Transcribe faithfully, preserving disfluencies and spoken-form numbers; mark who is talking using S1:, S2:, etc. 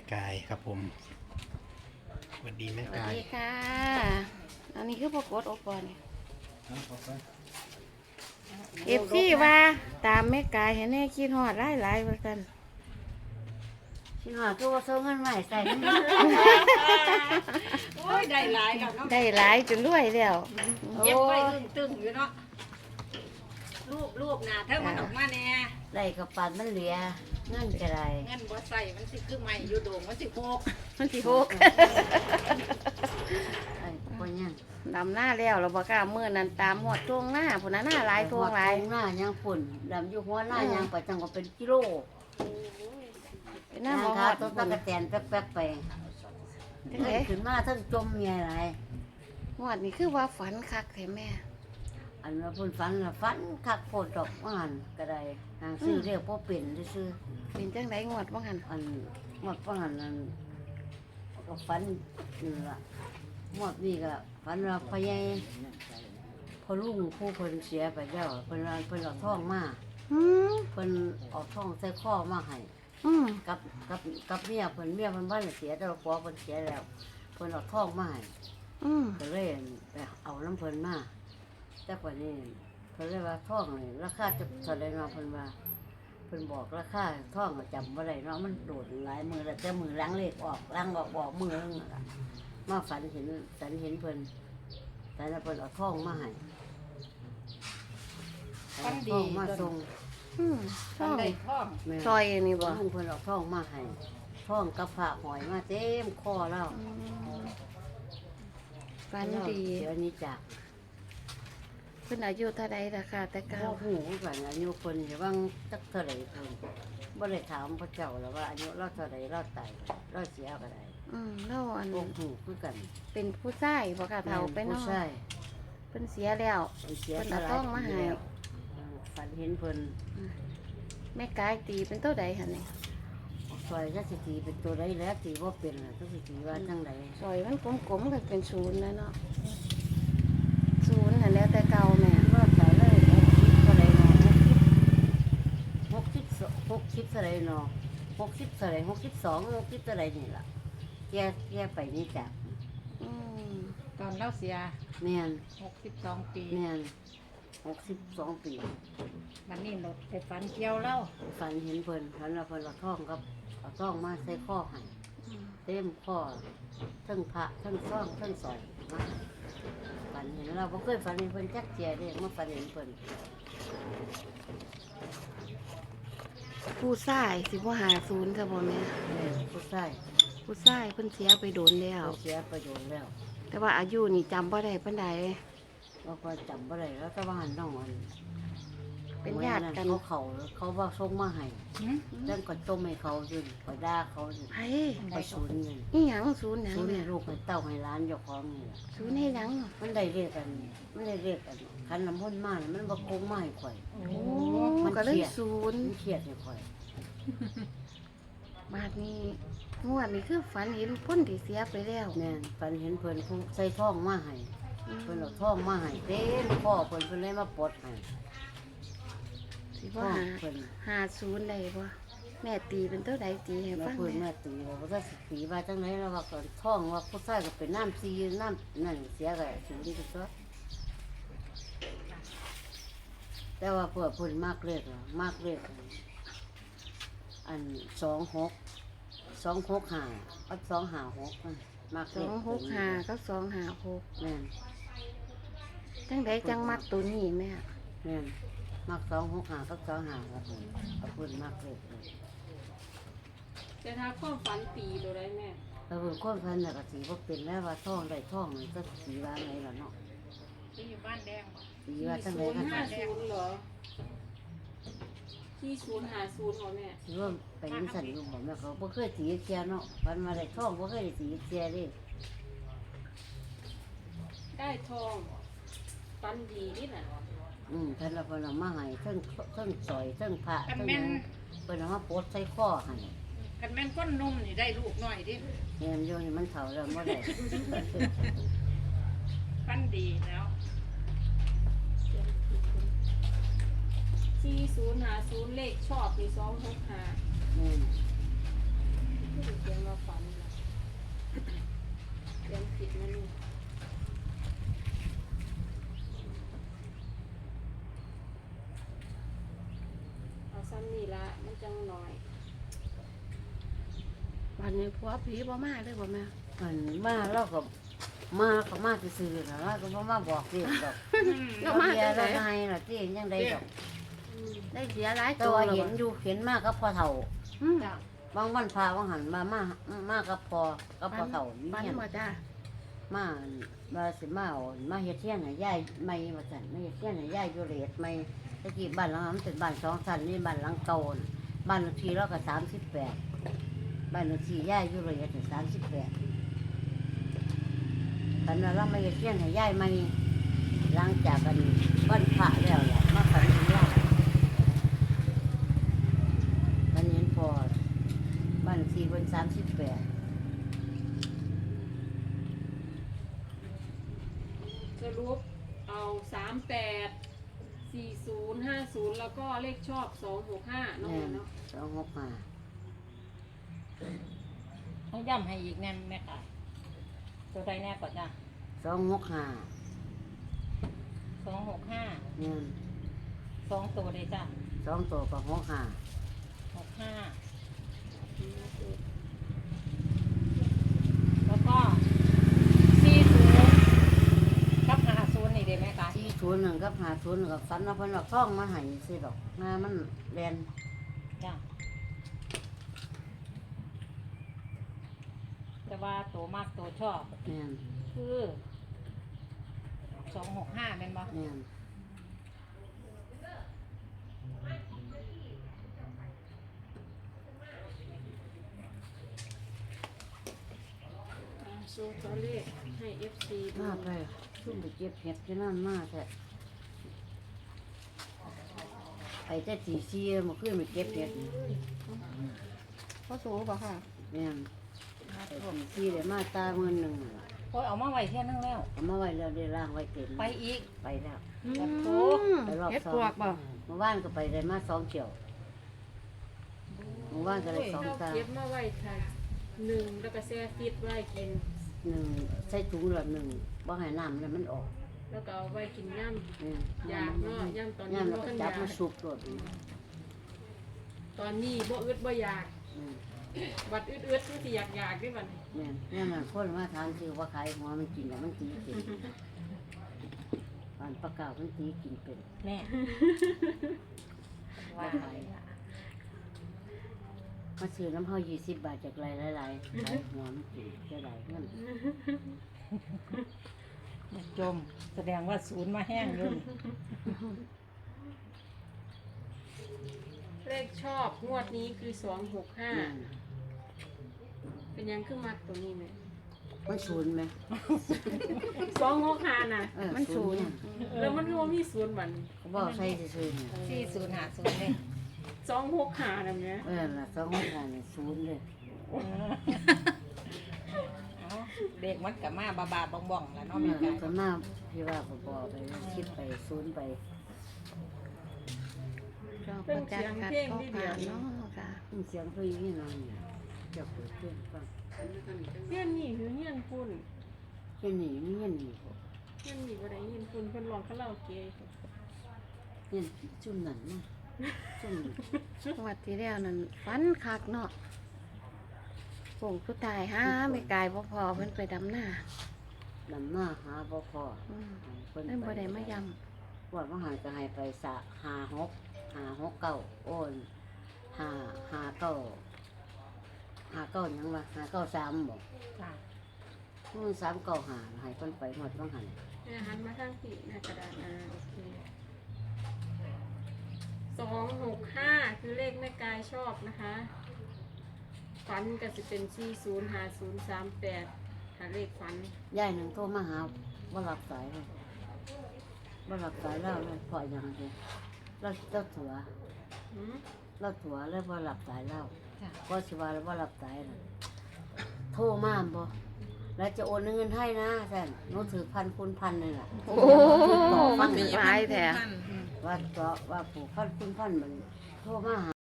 S1: กายครับผมสวัสดีแม่
S2: สวัส
S1: กาย
S2: ดีค่ะ อันนี้คือพวกกดโอปอนี่เอฟซีว่าตามแม่กายเห็นแน่คิดฮอดหลายหลายๆว่าซั่น
S3: ชิหอคือว่าส่งเงินมาให้ใส่
S4: โอ้ยได้หลายแล้วเนาะ
S2: ได้หลายจนรวยแล้ว
S4: เย็บไว้อึ้งตึงอยู่เนาะรูปรูปหน้าเธอมันออกมาแน่
S3: ได้กับปันมันเหลือเงินก็ได้
S4: เงินบ่ใส่มันสิคือใหม่อยู่โด่งมันสิโคก
S2: มันสิหก
S3: ไอ้ปนยัง
S2: ดำหน้าแล้วเราบอกล้ามื้อนั้นตามหอดทวงหน้าพุ่นน่ะหน้าหลายทวงหลาย
S3: หน้ายังฝุ่นดำอยู่หัวหน้า
S2: อืม
S3: ยังไปจังก็เป็นกิโล
S2: เป็นหน้า
S3: ทาง
S2: บ่ฮ
S3: ขา
S2: อด
S3: ต้นตะกะแตนแป๊บๆไป
S2: จัง
S3: เงิ
S2: ได๋
S3: นขึ้นมาทั้งจมเมียอะไร
S2: ฮอดนี่คือว่าฝันคักแท้แม่
S3: อันว่าพุ่นฟันละฟันคักโพดดอกว่าหันก็ได้ทางซื้อเรียกพ่อเป็นซื้อ
S2: เป็นจังได๋งวดบ่หั่น
S3: อันหมดว่าหันนั่นก็ฟันนี่ละหมดนี่ก็ฟันว่าพ่อใหญ่พ่อลุงผู้เพิ่นเสียไปแล้วเพิ่นว่าเพิ่นเอาทองมา
S2: อืม
S3: เพิ่นเอาทองใส่ข้อมาให้
S2: อืม
S3: กับกับกับเมียเพิ่นเมียเพิ่นบ้านเสียแต่ว่าผัวเพิ่นเสียแล้วเพิ่นเอาทองมาให้
S2: อืม
S3: ก็เลยไปเอาน้ำเพิ่นมาแต่กว่านี้เพิ่นเลยว่าทองนี่ราคาจะเท่าไหร่เนาะเพิ่นว่าเพิ่นบอกราคาทองก็จำบ่ได้เนาะมันโดดหลายมือแล้วแต่มือล้างเลขออกล้างออกบอกมือนึงนั่นล่ะมาฝันเห็นฝันเห็นเพิ่นแต่แล้วเพิ่นเอาทองมาให้เอาทองมาส่ง
S2: อืมช่อง
S4: ทำได้ท่อง
S3: แม่
S2: ซอยนี่บ่
S3: ลุงเพิ่นเอาทองมาให้ทองกับผ้าหอยมาเต็มคอแล้ว
S2: อืมฝันดี
S3: เดี๋ยวนี้จาก
S2: เพิ่นอายุเท่าใดล่ะค่ะแต่เก่า
S3: พ่อหูกันอายุคนอย่าว่างจักเท่าไหร่คนบ่ได้ถามพระเจ้าแล้วว่าอายุเราเท่าไหร่เราตายเราเสียก็ได้
S2: อืมแล้วอัน
S3: พ่อหูคือกัน
S2: เป็นผู้ชายบ่ค่ะเฒ่าไปเนาะ
S3: ผู้ชาย
S2: เพิ่นเสียแล้ว
S3: เพิ่นเสีย
S2: เพิ่นเอาทองมาให้
S3: แล้วฝันเห็นเพิ่น
S2: แม่กายตีเป็นเท่าใดหั่นนี่
S3: ซอยจักสิตีเป็นตัวใดแล้วตีบ่เป็นล่ะจักสิตีว่าจังได
S2: ซอยมันกลมๆก็เป็นศูนย์แล้วเนาะศูนย์หั่นแล้วแต่เก่าแม่
S3: ว่าตายเลยเท่าไหร่เนาะหกสิบหกสิบเท่าไหร่เนาะหกสิบเท่าไหร่หกสิบสองหกสิบเท่าไหร่นี่ล่ะแกแกไปนี่จ้ะ
S2: อืม
S4: ตอนเราเสีย
S3: แม่น
S4: หกสิบสองปี
S3: แม่นหกสิบสองปี
S4: มันนี่เราไปฝันเกี่ยวเล่า
S3: ฝันเห็นเพิ่นฝันว่าเพิ่นเอาท่องกับเอาท่องมาใส่ข้อให้
S2: อืม
S3: เต็มข้อทั้งพระทั้งท่องทั้งสอยมาฝันเห็นเราบ่เคยฝันเห็นเพิ่นจักเจียเด้มาฝันเห็นเพิ่น
S2: ผู้ชายสิบ่หาศูนย์ซะบ่แม่
S3: แม่ผู้ชาย
S2: ผู้ชายเพิ่นเสียไปโดนแล้ว
S3: เพิ่นเสียประโยชน์แล้ว
S2: แต่ว่าอายุนี่จำบ่ได้ปานใด
S3: เราก็จำบ่ได้แล้วแต่ว่าหันน้องอัน
S2: เป็นญาติกัน
S3: เขาเขาเขาว่าส่งมาให้
S4: หืม
S3: แล้วก็ต้มให้เขาอยู่ก็ด่าเขาอยู่
S2: ไผ
S3: ไปศูนย์เงิน
S2: อีหยังศูนย์หยัง
S3: ศูนย์
S2: แม่
S3: ให้ลูกให้เต้าให้หล้านเจ้าของนี่ล่ะ
S2: ศูนย์ให้หยัง
S3: มันได้เรียกกันมันได้เรียกกันคันน้ำพ่นมานี่มันบ่โกงมาให้ข่อย
S4: โอ้
S2: โอ้
S3: มัน
S2: ก็เลย
S3: เครียด
S2: ศูนย์
S3: มันเครียดให้ข่อย
S2: บาดนี้งวดนี้คือฝันเห็นคนที่เสียไปแล้ว
S3: แม่นฝันเห็นเพิ่นผู้ใส่ทองมาให้
S2: อืม
S3: เพิ่นเอาทองมาให้เต็มพ่อเพิ่นเพิ่นเลยมาปลดให้
S2: สิ
S3: ท
S2: บ่
S3: อง
S2: หา
S3: เพิ่น
S2: หาศูนย์ได้บ่แม่ตีเป็นเท่าใดตีให้
S3: แม่
S2: ฟัง
S3: เพิ่น
S2: แม่
S3: แม่ตีว่าบ่ได้สิตีว่าจังได๋แล้วว่าก่อนทองว่าผู้ชายก็เป็นน้ำซีน้ำนั่นเสียก็สิดีที่สุดแต่ว่าเพิ่นเพิ่นมากเลขอะมากเลขอันสองหกสองหกห้าอันสองห้าหกมันมาก
S2: ส
S3: เล
S2: อ
S3: ข
S2: งหกห้าก็สองห้าหก
S3: แม่น
S2: จังไดจังมักตัวนี้แม่
S3: แม่นมักสองหกหากับสองหาครับผมเอาพื้นมักเลย
S5: แต่ถ้าความฝันตีตัวได้แม่
S3: แล้วเพิ่นคนพันน่ะก็สีบ่เป็นแล้วว่าท่องได้ท่องนี่ก็สีว่าไงล่ะเนาะ
S4: ที่อยู่บ้านแดงบ่
S3: สีว่าจังได
S5: ศูน
S3: ก็
S5: ย์ห้าศูนย์เหรอที่ศูนย์หาศูนย์เหรอแม่
S3: สิว่าไปยังสั่นอยู่บ่แม่เขาบ่เคยสีเกียเนาะพันมาได้ท่องบ่เคยได้สีเกียเด้
S5: ได้ทองฝันดีนี่น่ะ
S3: อืมเพิ่นเอาเพิ่นเอามาให้เทั้งเทั้งซอยเทั้งพระ
S4: กัน
S3: เทั้ง
S4: แม่น
S3: เพิ่นเอามาโพดใส่คอให้
S4: กันแม่นก้นนุ่มนี่ได้ลูกหน่อยดิ
S3: แม่นอยู่นี่มันเฒ่าแล้วบ่ได้
S4: ฟันดีแล้ว
S5: ที่ศูนย์หาศูนย์เลขชอบมีสองหกห้า
S3: แม่น
S5: เขียนว่าผิดมันนี่เอาซ้ำนี่ละมันจังหน่อย
S2: วันนี้ผัวผีบ่มาเลยบ่แม่
S3: มันมาเราก็มาก็มาซื่อๆนะเราก็บ่มาบอกเรื่องดอก
S2: เรามา
S3: เบีย
S2: จั
S3: ร์
S2: งได
S3: เราให้ล่ะที่ยังได้ดอก
S2: ได้เสียหลาย
S3: แต่
S2: ตัว
S3: ว่า
S2: แล้ว
S3: เห็น
S2: บ่
S3: อยู่เห็นมากกับพ่อเฒ่า
S2: อืม
S5: จ้ะ
S3: บางวันพาบางหันมามามากับพ่อกับพ่อเฒ่านี่
S2: ฝัน
S3: เนี่ย
S2: บ่จ้า
S3: มามาสิมาเอามาเฮ็ดเทียนให้ยายใหม่ว่าซั่นมาเฮ็ดเทียนให้ยายอยู่เรศใหม่ตะกี้บ้านหลังนั้นมันเป็นบ้านสองชั้นนี่บ้านหลังเก่าน่ะบ้านเลขที่เราก็สามสิบแปดบ้านเลขที่ยายอยู่เรศสามสิบแปดตอนนั้นเรามาเฮ็ดเทียนให้ยายใหม่หลังจากกันวันพระแล้วล่ะมาฝันถึงเราตอนนี้พอบ้านเลขที่เพิ่นสามสิบแปด
S5: สรุปเอาสามแปดสี่ศูนย์ห้าศูนย์แล้วก็เลขชอบสองหกห้าเนาะ
S3: แม่น
S5: เนาะ
S3: สองหกห้า
S4: ต้องย้ำให้อีกแน่แม่ค่ะตัวใดแน่ก่อนจ้ะ
S3: สองหกห้า
S4: สองหกห้า
S3: เนี่ย
S4: สองตัวเลยจ้ะ
S3: สองตัวกับหกห้า
S4: หกห้าแล้วก็สี่ศูนย์กับห้าศูนย์นี่เด้ไหมคะ
S3: ที่ศูนย์หนึ่งกับหาศูนย์หนึ่งกับฟันว่าเพิ่นเอาฟ้องมาให้ซื้อดอกงามันแลน
S4: จ้ะแต่ว่าตัวมากตัวชอบ
S3: เนี่ย
S4: คือสองหกห้าเป็นบ่
S3: เนี่ย
S5: อ่าโชว์ตัวเลขให้ เอฟ ซี ดู
S3: มาไปชุ่มไปเก็บเห็ดที่นั่นมาแท้ไปแต่ตีซีมาขึ้นไปเก็บเห็ด
S2: พ่อสูบ่ค่ะ
S3: เนี่ยไปตีซีเลยมาตาเงินหนึ่งล่ะ
S4: โอ้ยเอามาไว้เที่ยนึงแล้ว
S3: เอามาไว้แล้วได้ล่างไว้เต็ม
S4: ไปอีก
S3: ไปแล้ว
S2: อื
S4: แบบโถ
S2: ม
S3: ไปรอบ
S2: เฮ็ด
S3: สอ
S2: ปว
S3: ง
S2: กบ่
S3: เมื่อวานก็ไปได้มาสองเกี่ยวเมื่อวานก็ได้สอง
S5: เรา
S3: ตา
S5: เก็บมาไว้ค่ะหนึ่งแล้วก็แช่ฟิตไว้กิน
S3: หนึ่งใส่ถุงละหนึ่งบ่ให้น้ำแล้วมันออก
S5: แล้วก็เอาไว้กินย่
S3: เนี่ย
S5: ำอยากเนาะย่ำตอนนี้
S3: ย่ำแล้ว
S5: บ่
S3: ก็
S5: ทันอ
S3: จับ
S5: ยาก
S3: มาสุกโดด
S5: ตอนนี้บ่อึดบ่อยาก
S3: เนี่ย
S5: บัดอึดอึดคือสิอยากอยากด้วยบัดนี้
S3: เนี่ยเนี่ยมันคนมาทานคือว่าขายหัวมันกินแล้วมันตีกินอันปลากามันตีกินเป็น
S4: แน่ว่าไป
S3: มาซื้อน้ำเฮายี่สิบบาทจากไรหลายๆขายหัวมันกินจะไหลเงิน
S4: จมแสดงว่าศูนย์มาแห้งเลย
S5: เลขชอบงวดนี้คือสองหกห้า
S3: เนี่ย
S5: เป็นยังคือมักตัวนี้ไหม
S3: มันศูนย์ไหม
S5: สองหกห้าน่ะ
S3: เออ
S2: มันศูนย์
S3: เนี่ย
S5: แล้วมันก็บ่มีศูนย์บัดนี้
S3: เขาบอกใส่ซื่อๆเนี่ย
S4: สี่ศูนย์หาศูนย์เลย
S5: สองหกห้าน่ะแม่
S3: เออละสองหกห้าเนี่ยศูนย์เลย
S4: เอาเด็กมันกับมาบาบาบองบองแล้วเนาะ
S3: เอ
S4: แม่
S3: อ
S4: ไก่
S3: ก็มาพี่ว่าบอๆไปคิดไปศูนย์ไป
S2: เราประจักษ์กัดพ่อผ่านเนาะค่ะ
S3: เสียงเพลงนี่นอนเนี่ยจะเปิดเพลงฟัง
S5: เฮียนนี่คือเฮียนพุ่น
S3: แค่นี้นี่เงี้ยนี่บ่
S5: เฮียนนี่บ่ได้เฮียนพุ่นเพิ่นร้องคาราโอเกะ
S3: เงี้ยจุ่มนั่นนะจุ่ม
S2: งวดที่แล้วนั่นฝันคักเนาะโป่งผู้ตายหาไม่กายบ่พอเพิ่นไปดำหน้า
S3: ดำหน้าหาบ่พอ
S2: อืม
S3: เพิ่น
S2: เพิ่นบ่ได้มาย
S3: ว่ามาหาก็ให้ไปสะหาหกหาหกเก้าโอนหาหาเก้าหาเก้าหยังวะหาเก้าสามบ่
S4: จ้ะ
S3: มันสามเก้าหาให้เพิ่นไปหมดว่างหัน
S5: แม่หันมาทางที่หน้ากระดาษอ่าโอเคสองหกห้าคือเลขแม่กายชอบนะคะฝันก็สิเป็นสี่ศูนย์ห้าศูนย์สามแปดหาเลขฝัน
S3: ยายหนึ่งโทรมาหาว่ารับสายเลยว่ารับสายแล้วเลยพออย่างเดียวเราเจ้าถัว
S5: หืม
S3: เราถัวแล้วว่ารับสายแล้ว
S4: จ้ะ
S3: ก็สิว่าแล้วว่ารับสายน่ะโทรมาบ่แล้วจะโอนเงินให้นะแท่นหนูถือพันคูณพันเลยล่ะ
S2: ำโอ้มันหลายแท้
S3: ว่าเจาะว่าผูกพันคูณพันมันโทรมาหา